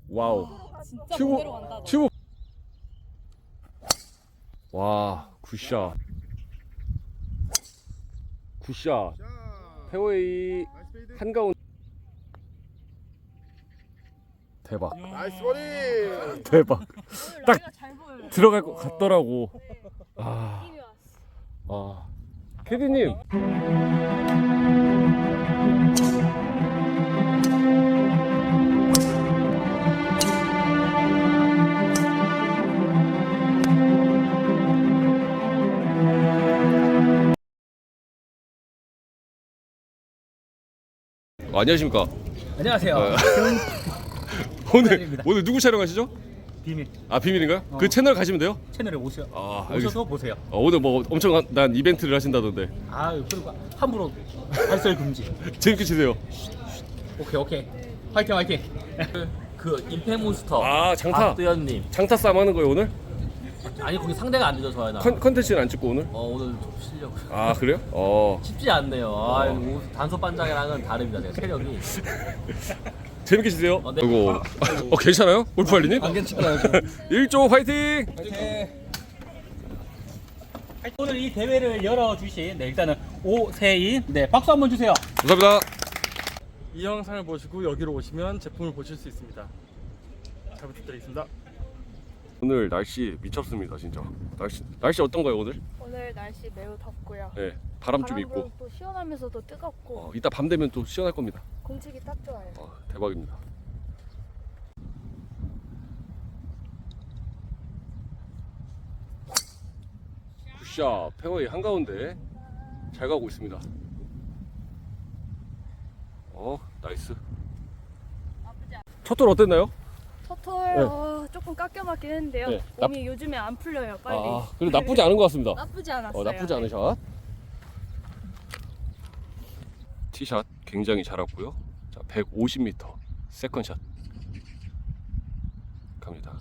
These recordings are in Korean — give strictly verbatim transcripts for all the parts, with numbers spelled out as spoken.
와우. 진짜 튜브, 반대로 간다. 너. 튜브. 와, 굿샷. 굿샷. 페어웨이 한가운데. 대박. 나이스 버디. 대박. 오늘 딱 라이가 잘 보여요. 들어갈 것 같더라고. 네. 아, 느낌이 왔어. 아. 캐디님. 어, 안녕하십니까. 안녕하세요. 어. 오늘 부탁드립니다. 오늘 누구 촬영하시죠? 비밀 아 비밀인가요? 어. 그 채널 가시면 돼요. 채널에 오셔 아, 오셔서 보세요. 어, 오늘 뭐 엄청난 이벤트를 하신다던데 아 그리고 함부로 발설 금지. 재밌게 치세요. 오케이 오케이. 화이팅 화이팅. 그, 그 임페몬스터 아, 장타. 박두현님. 장타 싸움 하는 거예요 오늘? 아니 거기 상대가 안 되죠 저희는. 컨, 컨텐츠는 안 찍고 오늘? 어 오늘 좀 실력 아 그래요? 어 쉽지 않네요. 아 이거 단소 반장이랑은 다릅니다. 제가 체력이. 재밌게 치세요. 어, 네. 그리고 어 괜찮아요? 골프 할리님? 안 괜찮아요. 일조 화이팅! 오늘 이 대회를 열어주신 네 일단은 오세인 네 박수 한번 주세요. 감사합니다. 이 영상을 보시고 여기로 오시면 제품을 보실 수 있습니다. 잘 부탁드리겠습니다. 오늘 날씨 미쳤습니다 진짜. 날씨 날씨 어떤가요 오늘? 오늘 날씨 매우 덥고요. 네 바람 좀 바람도 있고 또 시원하면서도 뜨겁고 어, 이따 밤 되면 또 시원할 겁니다. 공기가 딱 좋아요. 어, 대박입니다. 굿샷 페어웨이 한가운데 잘 가고 있습니다. 어 나이스. 나쁘지 않아. 첫 돌 어땠나요? 첫홀 네. 어, 조금 깎여맞긴 했는데요. 네. 몸이 요즘에 안 풀려요. 빨리. 아 그래도 나쁘지 않은 것 같습니다. 나쁘지 않았어요. 어, 나쁘지 않은 샷. 티샷 굉장히 잘 왔고요. 자, 백오십 미터 세컨샷 갑니다.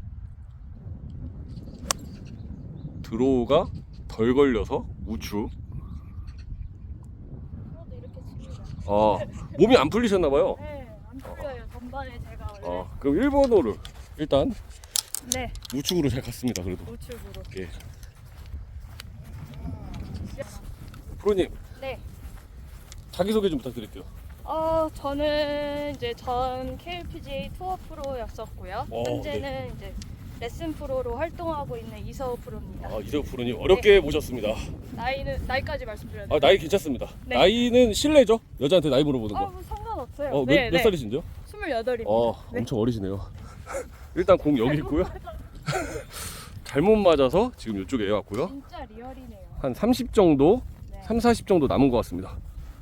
드로우가 덜 걸려서 우측. 저도 이렇게 칩니다. 어, 몸이 안 풀리셨나봐요. 네, 안 풀려요. 전반에 제가 원래. 어, 그럼 일 번호를 일단 네, 우측으로 잘 갔습니다. 그래도. 우측으로. 예. 프로님 네. 자기소개 좀 부탁드릴게요. 어, 저는 이제 전 케이엘피지에이 투어 프로였었고요. 오, 현재는 이제 레슨 프로로 활동하고 있는 이서우 프로입니다. 아, 이세호 프로님 어렵게 모셨습니다. 나이는 나이까지 말씀드려야 아, 돼요? 나이 괜찮습니다. 네. 나이는 실례죠? 여자한테 나이 물어보는 아, 거. 뭐 상관없어요. 어, 몇, 네, 몇 네. 살이신데요? 스물여덟입니다. 어, 네. 엄청 어리시네요. 일단 공 여기 있고요. 잘못 맞아서 지금 이쪽에 왔고요. 진짜 리얼이네요. 한 삼십 정도, 네. 삼, 사십 정도 남은 것 같습니다.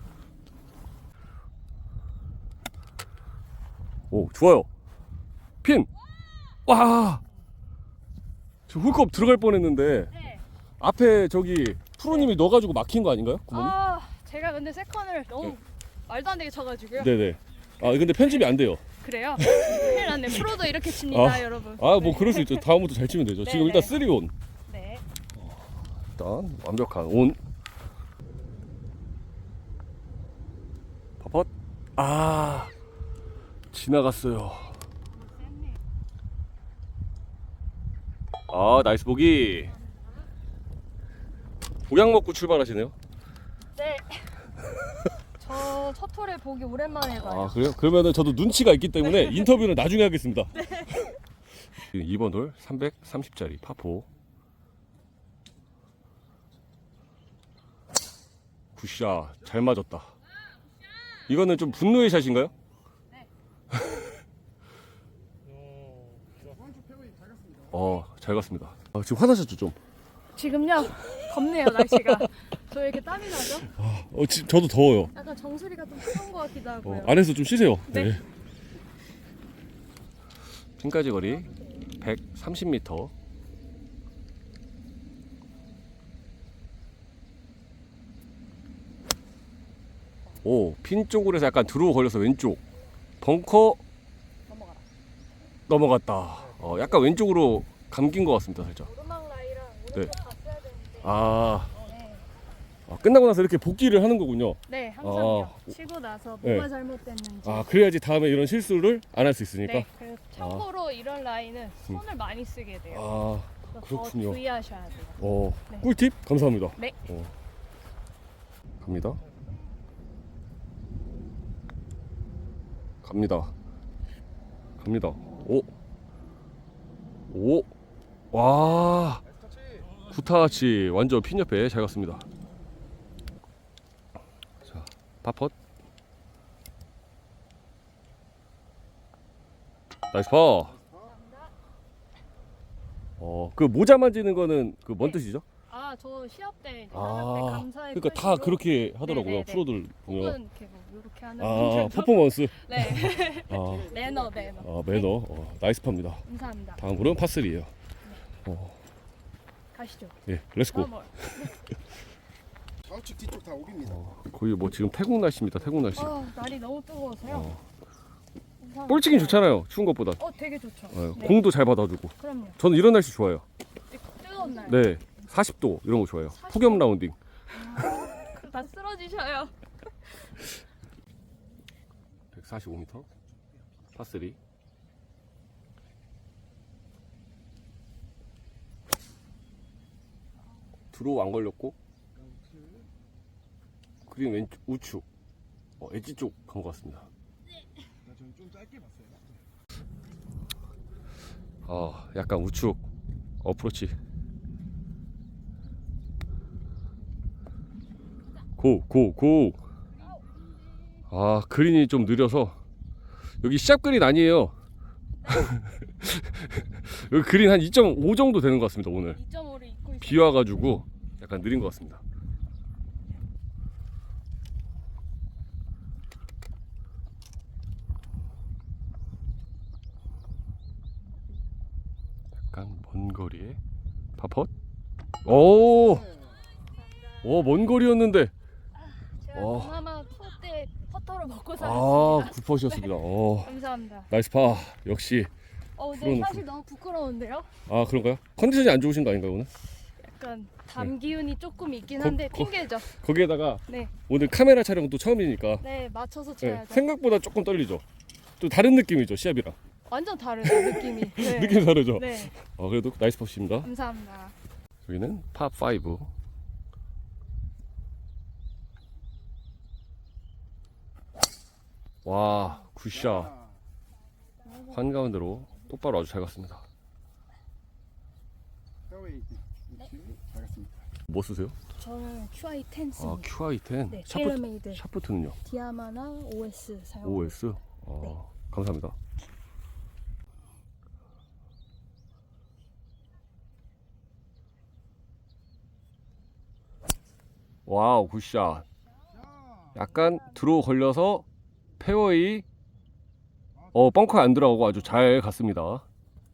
오, 좋아요. 핀! 와! 저 홀컵 들어갈 뻔했는데 네. 앞에 저기 프로님이 넣어가지고 막힌 거 아닌가요? 구멍이? 아, 제가 근데 세컨을 너무 네. 말도 안 되게 쳐가지고요. 네네. 아, 근데 편집이 안 돼요. 그래요? 큰일 났네. 프로도 이렇게 칩니다, 아, 여러분. 아, 뭐 네. 그럴 수 있죠. 다음부터 잘 치면 되죠. 네, 지금 네. 일단 쓰리 온. 네. 일단 완벽한 온. 퍼펫. 아, 지나갔어요. 아, 나이스 보기. 보약 먹고 출발하시네요. 네. 저 첫 홀에 보기 오랜만에 봐요. 아, 그래요? 그러면은 저도 눈치가 있기 때문에 인터뷰는 나중에 하겠습니다. 지금 이 번 홀 삼백삼십 짜리 파포. 굿샷. 잘 맞았다. 이거는 좀 분노의 샷인가요? 어, 잘 갔습니다. 아, 지금 화나셨죠 좀? 지금요? 덥네요, 날씨가. 저 왜 이렇게 땀이 나죠? 어, 지, 저도 더워요. 약간 정수리가 좀 차가운 것 같기도 하고요. 어, 안에서 좀 쉬세요. 네. 핀까지 거리 백삼십 미터. 오, 핀 쪽으로 해서 약간 들어오 걸려서 왼쪽. 벙커 넘어가라. 넘어갔다. 어, 약간 왼쪽으로 감긴 것 같습니다, 살짝. 오르막 라이랑 네. 오른쪽 갔어야 되는데. 아, 네. 아, 끝나고 나서 이렇게 복귀를 하는 거군요. 네, 항상요. 아. 치고 나서 네. 뭐가 잘못됐는지. 아, 그래야지 다음에 이런 실수를 안 할 수 있으니까. 네, 그리고 참고로 이런 라인은 손을 많이 쓰게 돼요. 아, 그래서 그렇군요. 더 주의하셔야 돼요. 어, 네. 꿀팁 감사합니다. 네. 어. 갑니다. 갑니다. 갑니다. 오. 오. 와. 구타치 완전 핀 옆에 잘 갔습니다. 자, 파펫. 나이스 파. 어, 그 모자 만지는 거는 그 뭔 네. 뜻이죠? 아, 저 시합 때, 이제 아, 나갈 때 감사의 그러니까 다 표시로 그렇게 하더라고요. 네네네. 프로들 보면. 혹은 이렇게 뭐 이렇게 하는 아, 분들도 퍼포먼스. 네, 아, 매너 매너. 아 매너. 어, 나이스 파입니다. 감사합니다. 다음 홀은 파쓰리예요. 가시죠. 예, 렛츠고. 다음 홀. 좌우측 뒤쪽 다 오비입니다. 거의 뭐 지금 태국 날씨입니다. 태국 날씨. 아, 날이 너무 뜨거워서요. 어. 감사합니다. 볼 치긴 좋잖아요. 추운 것보다. 어, 되게 좋죠. 어, 네. 공도 잘 받아주고. 그럼요. 저는 이런 날씨 좋아요. 뜨거운 날. 네, 사십 도 이런 거 좋아요. 폭염 라운딩. 다 쓰러지셔요. 백사십오 미터. 파쓰리. 드로우 안 걸렸고. 그린 왼쪽 우측. 어, 엣지 쪽 간 것 같습니다. 저는 좀 짧게 봤어요. 아, 약간 우측 어프로치. 고, 고, 고. 아, 그린이 좀 느려서 여기 시합 그린 아니에요. 여기 그린 한 이 점 오 정도 되는 것 같습니다. 오늘 이 점 오를 입고 있어요. 비 와가지고 약간 느린 것 같습니다. 약간 먼 거리에 파펫. 오, 오, 먼 거리였는데. 제가 어. 동남아 투어 때 퍼터로 먹고 아, 살았습니다. 굿퍼시였습니다. 어, 감사합니다. 나이스 파. 역시. 어, 근데 프로는 사실 너무 부끄러운데요? 아, 그런가요? 컨디션이 안 좋으신 거 아닌가요, 오늘? 약간 담 기운이 조금 있긴 거- 한데 거- 핑계죠. 거기에다가 네, 오늘 카메라 촬영도 처음이니까 네 맞춰서 네, 쳐야죠. 생각보다 조금 떨리죠. 또 다른 느낌이죠, 시합이랑. 완전 다르죠 느낌이. 네. 느낌이 다르죠. 네, 어, 그래도 나이스 퍼시입니다. 감사합니다. 여기는 팝5. 와, 굿샷. 한가운데로 똑바로 아주 잘 갔습니다. 페어웨이 위치 잘 갔습니다. 뭐 쓰세요? 저는 큐아이 텐 아, 씁니다. 큐아이 텐. 네, 샤프트, 테일러메이드 샤프트는요? 디아마나 오에스 사용. 오에스. 아, 네. 감사합니다. 와우, 굿샷. 약간 드로우 걸려서 페어웨이 어 벙커에 안 들어가고 아주 잘 갔습니다.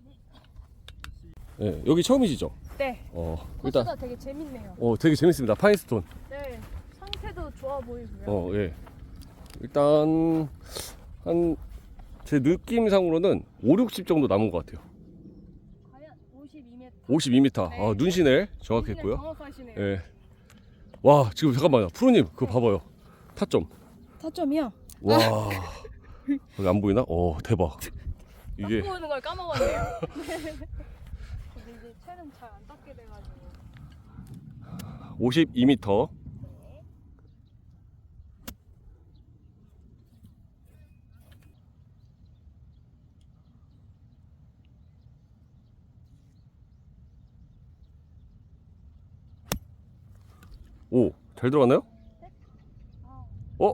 네, 여기 처음이시죠? 네, 어, 코스가 일단 되게 재밌네요. 어 되게 재밌습니다. 파인스톤. 네, 상태도 좋아 보이고요. 어, 예. 일단 한 제 느낌상으로는 오, 육십 정도 남은 것 같아요. 과연 오십이 미터. 오십이 미터. 네. 아, 눈시넬 정확했고요. 정확하시네요. 예. 와, 지금 잠깐만요. 프로님, 그거 봐봐요. 타점. 타점이요? 와. 여기 안 보이나? 어, 대박. 이게 닦고 오는 걸 까먹었네요. 근데 이제 채는 잘 안 닦게 돼가지고. 오십이 미터. 오, 잘 들어갔나요? 아, 어?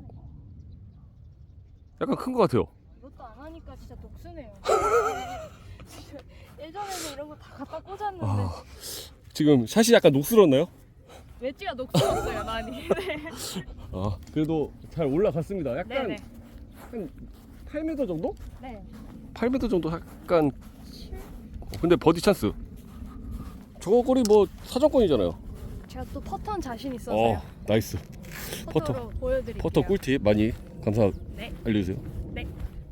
약간 큰 것 같아요. 이것도 안 하니까 진짜 독수네요. 진짜 예전에는 이런 거 다 갖다 꽂았는데 아, 지금 샷이 약간 녹슬었나요? 웨지가 녹슬었어요 많이. 네. 아, 그래도 잘 올라갔습니다. 약간 네네. 한 팔 미터 정도? 네. 팔 미터 정도 약간. 어, 근데 버디 찬스. 저거 거리 뭐 사정권이잖아요. 제가 또 퍼터는 자신 있어서요. 어, 나이스. 퍼터. 퍼터로 보여드릴게요. 퍼터 꿀팁 많이 감사 네. 알려주세요. 네.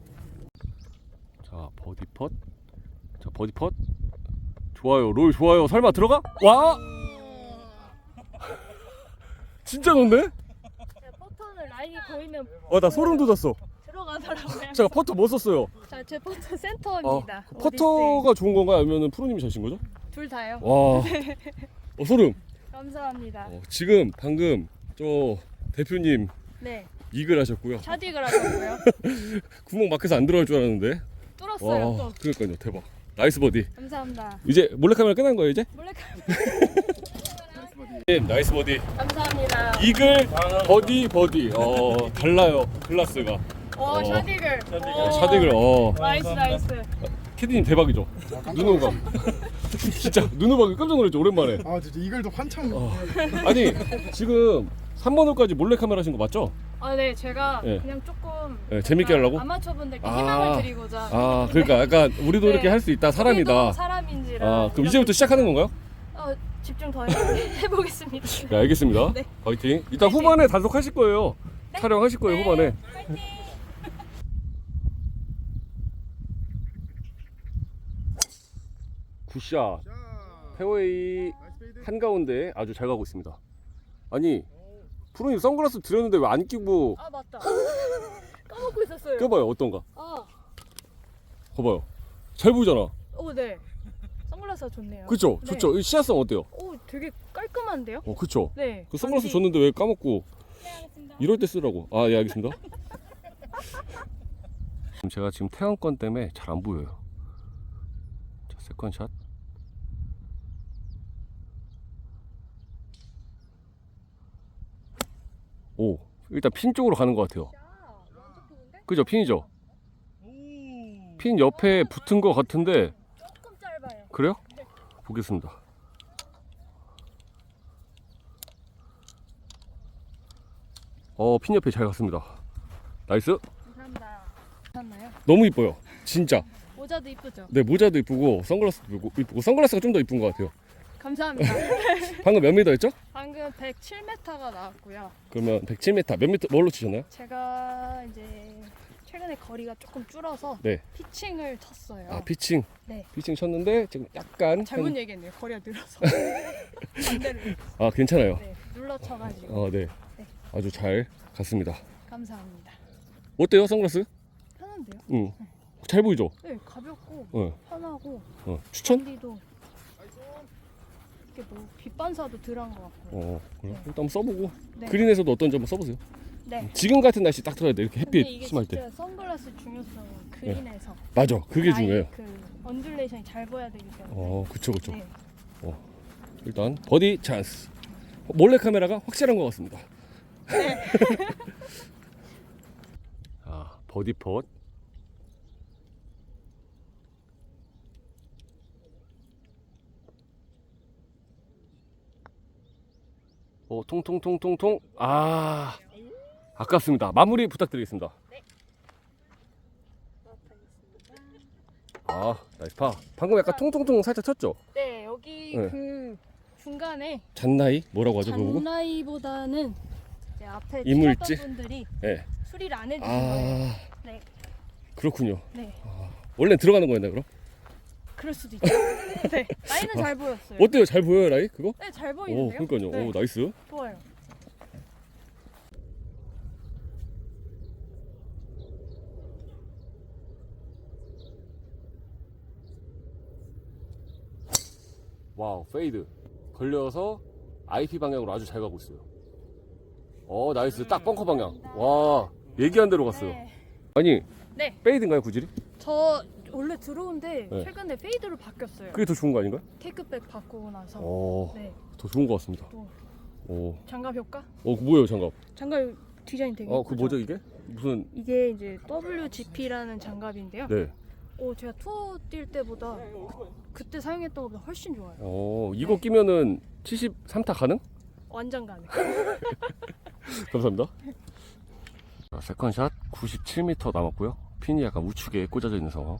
자, 버디 펫. 자, 버디 펫. 좋아요. 롤 좋아요. 설마 들어가? 와! 진짜 좋네? 제가 퍼터는 라인이 보이면 와, 나 소름 돋았어. 들어가더라고요. 제가 퍼터 뭐 썼어요? 자, 제 퍼터 아, 센터입니다. 퍼터가 좋은 건가요? 아니면 프로님이 자신 거죠? 둘 다요. 와, 어, 소름. 감사합니다. 어, 지금 방금 저 대표님 네, 이글 하셨고요. 샷익을 하셨고요. 구멍 막혀서 안 들어갈 줄 알았는데. 뚫었어요. 와, 또. 그러니까요, 대박. 나이스 버디. 감사합니다. 이제 몰래카메라 끝난 거예요, 이제? 몰래카메라. 네, 나이스 버디. 감사합니다. 이글 버디 버디. 어, 달라요. 클래스가. 오, 어. 샷익을. 어, 샤딩을 어. 나이스, 나이스. 캐디님 대박이죠. 눈호감. 진짜 눈호감이 깜짝 놀랐죠, 오랜만에. 아 진짜 이글도 한참. 어. 아니 지금 삼 번 홀까지 몰래카메라 하신 거 맞죠? 아, 네, 제가 네. 그냥 조금 네, 재밌게 약간 하려고? 아마추어분들께 아. 희망을 드리고자. 아, 그러니까 약간 우리도 네. 이렇게 할 수 있다, 사람이다. 우리도 사람인지라. 아, 그럼 이제부터 시작하는 건가요? 어, 집중 더 해- 해보겠습니다. 네, 알겠습니다. 네. 화이팅. 이따 후반에 단속하실 거예요. 촬영하실 거예요, 네. 후반에. 굿샷. 페어웨이 한가운데 아주 잘 가고 있습니다. 아니, 프로님 선글라스 드렸는데 왜 안 끼고 아, 맞다. 까먹고 있었어요. 껴봐요, 어떤가? 아, 봐봐요. 잘 보이잖아. 오, 네. 선글라스가 좋네요. 그쵸? 네. 좋죠? 이 시야성 어때요? 오, 되게 깔끔한데요? 어, 그쵸? 네. 그 선글라스 반지- 줬는데 왜 까먹고 이럴 때 쓰라고. 아, 예, 알겠습니다. 지금 제가 지금 태양권 때문에 잘 안 보여요. 자, 세컨샷. 오, 일단 핀 쪽으로 가는 것 같아요. 그죠? 핀이죠? 핀 옆에 붙은 것 같은데 조금 짧아요. 그래요? 보겠습니다. 어, 핀 옆에 잘 갔습니다. 나이스. 감사합니다. 괜찮나요? 너무 이뻐요. 진짜. 모자도 이쁘죠? 네, 모자도 이쁘고 선글라스도 이쁘고, 이쁘고 선글라스가 좀 더 이쁜 것 같아요. 감사합니다. 방금 몇 미터 했죠? 방금 백칠 미터가 나왔고요. 그러면 백칠 미터 몇 미터 뭘로 치셨나요? 제가 이제 최근에 거리가 조금 줄어서 네. 피칭을 쳤어요. 아, 피칭. 네. 피칭 쳤는데 지금 약간 잘못 한- 얘기했네요. 거리가 늘어서. 반대로. 아, 괜찮아요. 네. 눌러 쳐가지고. 어, 네. 네. 아주 잘 갔습니다. 감사합니다. 어때요, 선글라스? 편한데요? 응. 잘 보이죠? 네, 가볍고 어. 편하고 어. 추천? 단디도 이게 뭐 빛반사도 덜한 것 같고. 어, 그럼 일단 한번 써보고 네. 그린에서도 어떤지 한번 써보세요. 네. 지금 같은 날씨 딱 들어야 돼. 이렇게 근데 햇빛 이게 심할 진짜 때. 선글라스 중요성은 그린에서 맞아. 그게 라인 중요해요. 그 언듈레이션이 잘 보여야 되기 때문에. 어, 그쵸, 그쵸. 네. 일단 버디 찬스. 몰래 카메라가 확실한 것 같습니다. 아, 버디 펫. 어, 통통통통통. 아, 아깝습니다. 마무리 부탁드리겠습니다. 아, 나이스 파. 방금 약간 통통통 살짝 쳤죠? 네, 여기 네. 그 중간에 잔나이 뭐라고 하죠, 그거 보고? 잔나이보다는 이제 앞에 이물질? 치셨던 분들이 네. 수리를 안 해주신 거예요. 아, 네, 그렇군요. 네, 원래 들어가는 거였나요, 그럼? 그럴 수도 있죠. 네, 라인은 잘 보였어요. 어때요? 잘 보여요, 라이? 그거? 네, 잘 오, 보이는데요? 그러니까요. 네, 오, 나이스. 좋아요. 와우, 페이드. 걸려서 아이피 방향으로 아주 잘 가고 있어요. 어, 나이스. 딱 벙커 방향. 와, 얘기한 대로 갔어요. 네. 아니, 네, 페이드인가요, 구질이? 저 원래 들어온데 네. 최근에 페이드로 바뀌었어요. 그게 더 좋은 거 아닌가요? 테이크백 바꾸고 나서. 어, 네, 더 좋은 것 같습니다. 또 오, 장갑 효과? 어, 그 뭐예요, 장갑? 장갑 디자인 되게 어, 그 예쁘죠? 뭐죠, 이게? 무슨, 이게 이제 더블유지피라는 장갑인데요. 네. 오, 제가 투어 뛸 때보다 그때 사용했던 것보다 훨씬 좋아요. 어, 이거 네. 끼면은 칠십삼 타 가능? 완전 가능. 감사합니다. 자, 세컨샷 구십칠 미터 남았고요. 핀이 약간 우측에 꽂아져 있는 상황.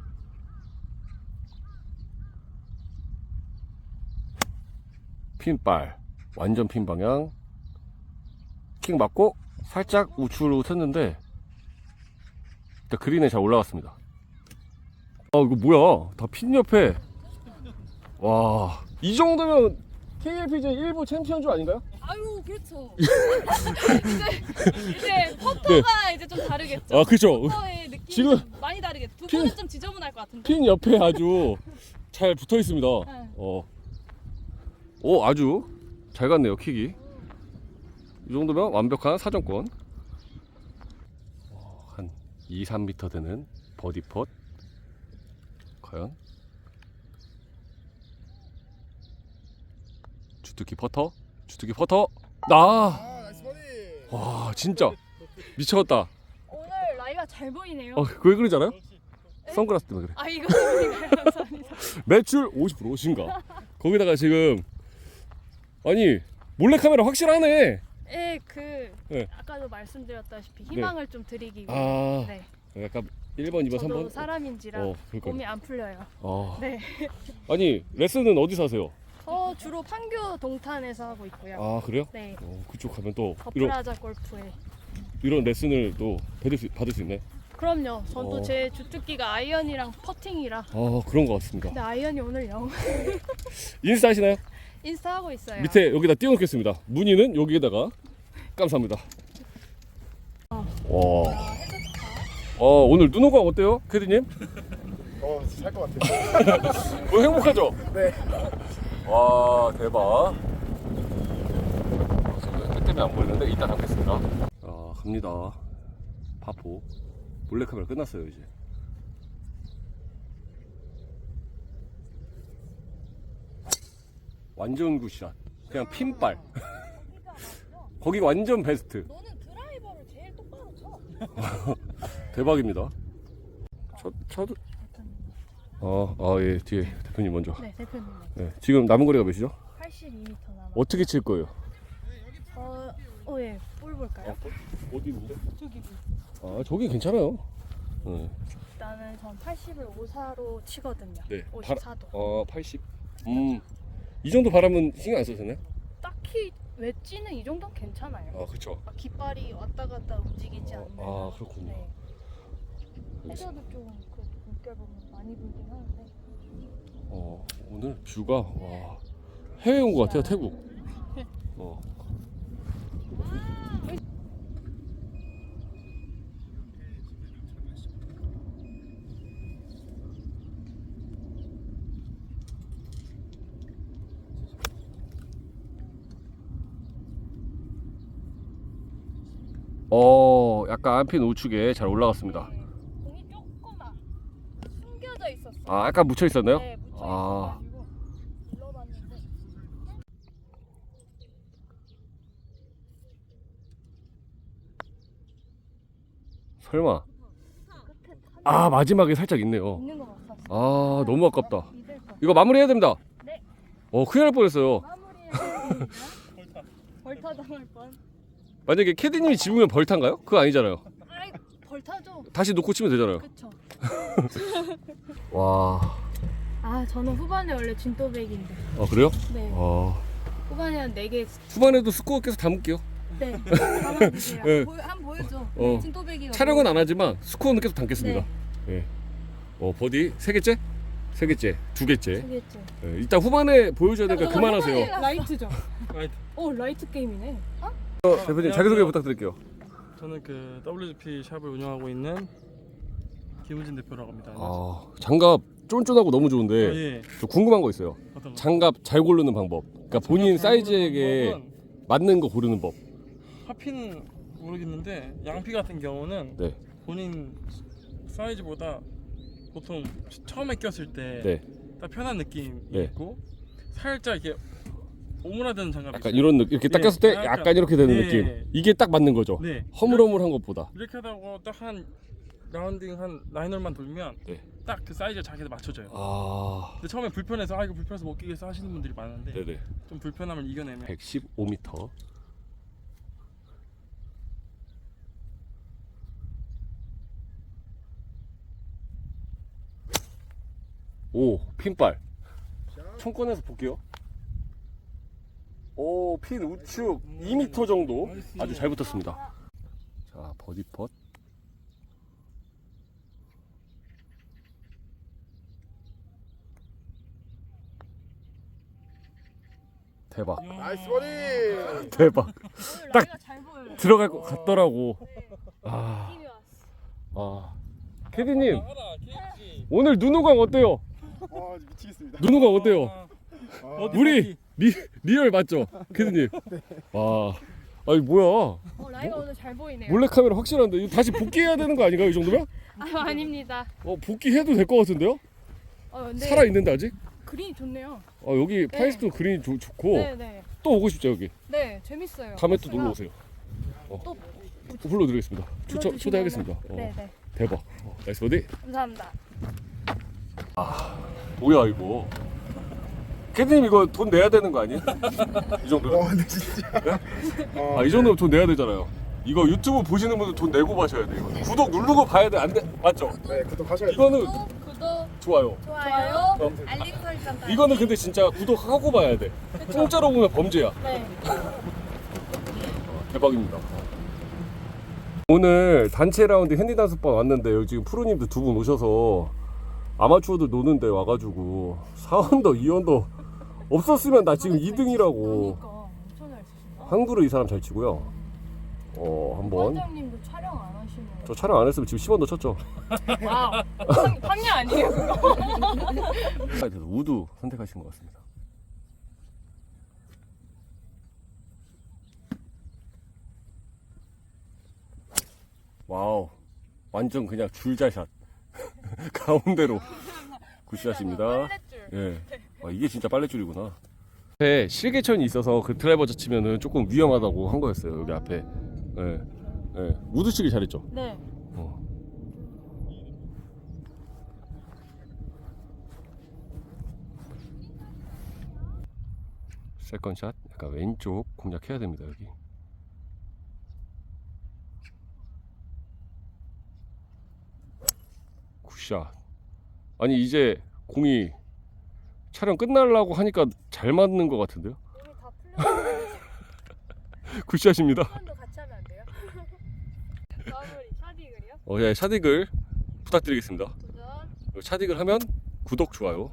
핀발 완전 핀 방향. 킥 맞고 살짝 우측으로 텄는데 일단 그린에 잘 올라갔습니다. 아, 이거 뭐야? 다 핀 옆에. 와, 이 정도면 케이엘피지에이 일부 챔피언주 아닌가요? 아유 그렇죠. 이제 이제 퍼터가 이제 좀 다르겠죠. 아 그죠. 퍼터의 느낌이 지금 좀 많이 다르겠죠. 두 핀- 분은 좀 지저분할 것 같은데. 핀 옆에 아주 잘 붙어 있습니다. 네. 어. 오 아주 잘 갔네요 킥이. 이 정도면 완벽한 사정권. 어, 한 이, 삼 미터 되는 버디 펫. 과연 주특기 퍼터, 주특기 퍼터. 나. 아 나이스 버디. 와 진짜 미쳤다. 오늘 라이가 잘 보이네요. 어, 왜 그러잖아요? 선글라스 때문에 그래. 아 이거 감사합니다. 매출 오십 퍼센트 신가. 거기다가 지금 아니 몰래 카메라 확실하네. 예, 그 네. 아까도 말씀드렸다시피 희망을 좀 드리기 위해. 아 네. 약간 일 번, 이 번, 삼 저도 번. 사람인지라 어, 그러니까. 몸이 안 풀려요. 아. 네. 아니 레슨은 어디서 하세요? 저 주로 판교 동탄에서 하고 있고요. 아 그래요? 네. 어, 그쪽 가면 또 이런 더프라자 골프에. 이런 레슨을 또 받을 수 받을 수 있네. 그럼요. 저도 어. 제 주특기가 아이언이랑 퍼팅이라. 아 그런 것 같습니다. 근데 아이언이 오늘 영 인스타 하시나요? 인스타 하고 있어요. 밑에 여기다 띄워놓겠습니다. 문의는 여기에다가 감사합니다. 와. 어 오늘 눈호강 어때요, 캐디님? 어살것 같아요. 뭐 행복하죠? 네. 와 대박. 지금 해 때문에 안 보이는데 이따 담겠습니다. 아 갑니다. 파포. 몰래카메라 끝났어요 이제. 완전 굿샷. 그냥 핀발. 거기 완전 베스트. 너는 드라이버를 제일 똑바로 쳐. 대박입니다. 저, 저도. 어, 아, 예, 뒤에 대표님 먼저. 네, 대표님. 네, 지금 남은 거리가 몇이죠? 팔십이 미터 남아. 어떻게 칠 거예요? 어, 어 예. 볼 볼까요? 어디인데? 저기. 아, 저기 괜찮아요. 네. 일단은 전 팔십을 오사로 치거든요. 네. 오십사 도. 어, 팔십. 음, 이 정도 바람은 신경 안 써도 되나요? 딱히 웨지는 이 정도는 괜찮아요. 아, 그쵸. 막 깃발이 왔다 갔다 움직이지 않는. 아, 그렇군요. 네. 해저도 좀 그래도 물결 보면 많이 불긴 하는데. 어, 오늘 뷰가, 와, 해외 온 것 같아요, 태국. 어. 어, 약간 안핀 우측에 잘 올라갔습니다. 네. 공이 조금만 숨겨져 있었어요. 아, 약간 묻혀 있었나요? 네, 묻혀 아. 있어가지고 불러봤는데. 설마. 끝에 한 아, 마지막에 살짝 있네요. 있는 거 같았어. 아, 너무 아깝다. 믿을 거. 이거 마무리해야 됩니다. 네. 어, 큰일 날 뻔했어요. 마무리해야 됩니다. 벌타 당할 뻔. 만약에 캐디님이 집으면 벌타인가요? 그거 아니잖아요. 아이 벌타죠. 다시 놓고 치면 되잖아요. 그쵸. 와. 아 저는 후반에 원래 진또백인데. 아, 그래요? 네. 아. 후반에 한 네 개. 후반에도 스코어 계속 담을게요. 네. 담아주세요. 네. 보여, 한번 보여줘. 어. 진또백이. 촬영은 안 하지만 스코어는 계속 담겠습니다. 네. 예. 어, 버디 세 개째? 세 개째, 두 개째. 되겠죠. 예, 일단 후반에 보여줘야 되니까 그만하세요. 라이트죠. 라이트. 오 라이트 게임이네. 어? 어, 대표님 자기소개 부탁드릴게요. 저는 그 더블유지피 샵을 운영하고 있는 김우진 대표라고 합니다. 아, 장갑 쫀쫀하고 너무 좋은데 어, 예. 저 궁금한 거 있어요. 어떤 거? 장갑 잘 고르는 방법. 그러니까 본인 사이즈에게 방법은 맞는 거 고르는 법. 하피는 모르겠는데 양피 같은 경우는 네. 본인 사이즈보다 보통 처음에 꼈을 때 딱 네. 편한 느낌이 네. 있고 살짝 이렇게 오므라드는 장갑이 약간 있어요. 이런 느낌 이렇게 딱 네, 꼈을 때 약간- 약간 이렇게 되는 네. 느낌. 이게 딱 맞는 거죠. 네. 허물허물한 것보다. 이렇게 하다가 딱 한 라운딩 한 라이너만 돌면 네. 딱 그 사이즈가 자기한테 맞춰져요. 아. 근데 처음에 불편해서 아 이거 불편해서 못 끼겠어 하시는 분들이 많은데 네네. 좀 불편함을 이겨내면 백십오 미터. 오, 핀발. 총 꺼내서 볼게요. 오, 핀 우측 이 미터 정도. 아주 잘 붙었습니다. 자, 버디 펫. 대박. 나이스 버디. 대박. 오늘 딱 라이가 잘 보여요. 들어갈 것 같더라고. 네. 아, 느낌이 왔어. 아. 캐디님, 오늘 누누강 어때요? 와 미치겠습니다. 누누강 어때요? 아, 우리 리, 리얼 맞죠? 캐디님. 와, 아니 뭐야? 어, 라이가 오늘 잘 보이네요. 몰래 카메라 확실한데 이거 다시 복귀해야 되는 거 아닌가요? 이 정도면? 아, 아닙니다. 어, 복귀해도 될 것 같은데요? 어, 근데 살아 있는데 아직? 그린이 좋네요. 어, 여기 파이스톤 그린이 좋, 좋고 네, 네. 또 오고 싶죠 여기. 네, 재밌어요. 다음에 또 코스가 놀러 오세요. 또 불러드리겠습니다. 초청 불러주시면은- 초대하겠습니다. 어, 네, 네. 대박. 어, 나이스 버디. 감사합니다. 뭐야 이거? 캐디님 이거 돈 내야 되는 거 아니에요? 이 정도면? 와 근데 진짜. 어, 아, 이 정도면 돈 내야 되잖아요. 이거 유튜브 보시는 분들 돈 내고 봐셔야 돼요. 이거. 구독 누르고 봐야 돼. 안 돼? 맞죠? 네 구독하셔야 돼요. 이거는 구독, 구독, 좋아요. 좋아요, 어. 알림 설정까지. 이거는 근데 진짜 구독하고 봐야 돼. 공짜로 보면 범죄야. 네. 대박입니다. 오늘 단체 라운드 핸디 단습반 왔는데 여기 지금 프로님들 두 분 오셔서 아마추어들 노는데 와가지고 사 언더, 이 언더 없었으면 나 지금 이 등이라고. 그러니까 엄청 잘 치신다. 한 그루 이 사람 잘 치고요. 어 한번 원장님도 촬영 안 하시네요. 저 촬영 안 했으면 지금 십 언더 쳤죠. 와우. 판- 판례 아니에요 그거? 그래서 우드 선택하신 것 같습니다. 와우, 완전 그냥 줄자샷 가운데로 굿샷입니다. 빨랫줄. 예, 아, 이게 진짜 빨래줄이구나. 앞에 실개천이 있어서 그 드라이버 젖히면은 조금 위험하다고 한 거였어요. 여기 앞에. 예, 예, 우드 치기 잘했죠. 네. 어. 세컨샷 약간 왼쪽 공략해야 됩니다. 여기 굿샷. 아니 이제 공이 촬영 끝나려고 하니까 잘 맞는 것 같은데요. 이미 다 풀렸어요. 굿샷입니다. 한 번도 같이 하면 안 돼요? 마무리 샤디글이요? 어, 예, 샤딕을 부탁드리겠습니다. 도전. 샤딕을 하면 구독, 좋아요.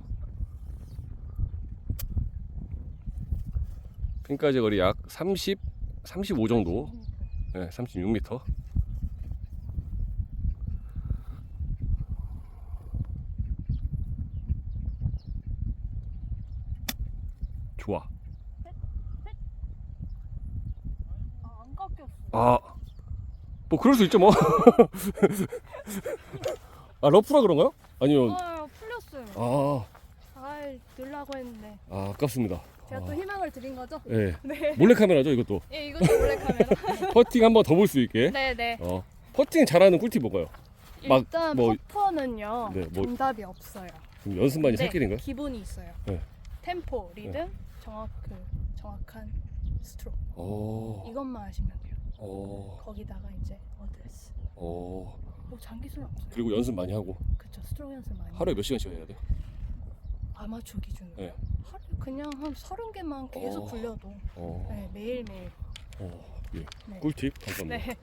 핀까지 거리 약 삼십, 삼십오 정도. 네, 삼십육 미터. 좋아. 아, 안 깎였어. 아, 뭐 그럴 수 있죠 뭐. 아, 러프라 그런가요? 아니면 아, 풀렸어요. 아, 아, 넣으려고 했는데. 아 아깝습니다. 제가 아, 또 희망을 드린 거죠? 네. 네. 몰래 카메라죠 이것도. 예, 이것도 몰래 카메라. 퍼팅 한번 더 볼 수 있게. 네, 네. 어, 퍼팅 잘하는 꿀팁 뭔가요? 막 일단 뭐- 퍼퍼는요. 네, 뭐- 정답이 없어요. 그럼 연습만이 네, 살길인가요? 기본이 있어요. 네. 템포, 리듬, 정확 그 정확한 스트로크. 오, 이것만 하시면 돼요. 오, 거기다가 이제 어드레스. 오. 뭐 장기술은 없어요. 그리고 연습 많이 하고 그쵸, 스트로크 연습 많이. 하루에 몇 시간씩 해야 돼요? 아마추어 기준으로. 네. 하루 그냥 한 서른 개만 계속 어. 굴려도 어, 네, 매일 매일. 어, 예. 네. 꿀팁 감사합니다. 네.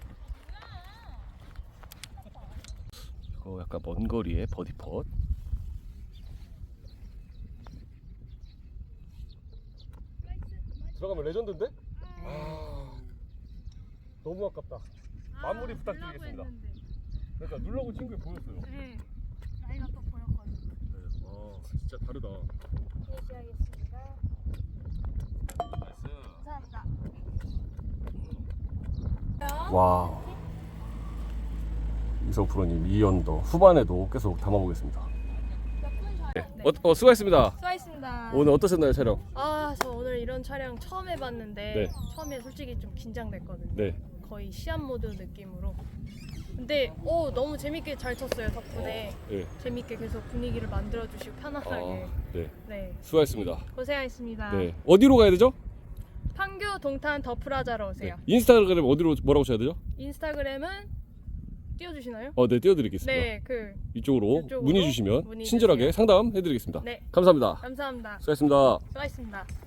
이거 약간 먼 거리에 버디 펫. 들어가면 레전드인데? 아, 너무 아깝다. 마무리 부탁드리겠습니다. 그러니까 눌러고 친구에 보였어요. 네. 나이가 또 보였거든요. 네. 아, 진짜 다르다. 피니시하겠습니다. 감사합니다. 와. 이성 프로님 이 언더 후반에도 계속 담아보겠습니다. 네. 어, 어, 수고하셨습니다. 수고하셨습니다. 오늘 어떠셨나요 촬영? 아, 저 오늘 이런 촬영 처음 해봤는데 네. 처음에 솔직히 좀 긴장됐거든요. 네. 거의 시합 모드 느낌으로. 근데 오 너무 재밌게 잘 쳤어요 덕분에. 네. 재밌게 계속 분위기를 만들어주시고 편안하게. 아, 네. 네. 수고하셨습니다. 고생하셨습니다. 네. 어디로 가야 되죠? 판교 동탄 더 프라자로 네. 오세요. 인스타그램 어디로 뭐라고 쳐야 되죠? 인스타그램은 띄워주시나요? 어, 네, 띄워드리겠습니다. 네, 그 이쪽으로, 이쪽으로 문의 주시면 문의 친절하게 주세요. 상담해드리겠습니다. 네. 감사합니다. 감사합니다. 수고하셨습니다. 수고하셨습니다.